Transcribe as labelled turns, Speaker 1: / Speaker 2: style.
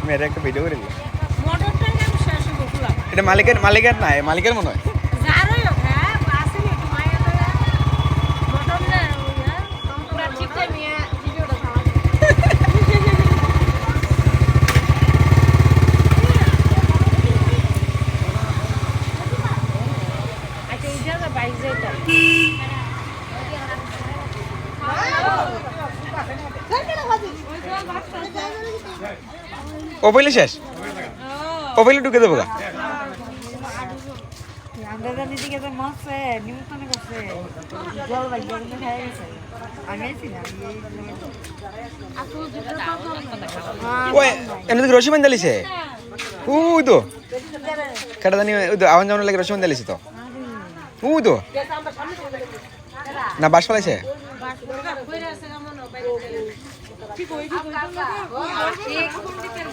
Speaker 1: মেরে একটা ভিডিও করে দিল এটা মালিকের না মালিকের মনে হয় ও পইলে শেষ ও পইলে ঢুকে দেবো গা এমনি রশি বান্ধা লিছে ওই তো কাটা জানি ওই তো আওয়াজ যাওয়ার লাগে রশি বান্ধা লিছে তো ওই তো না বাস ফেলাইছে ঠিক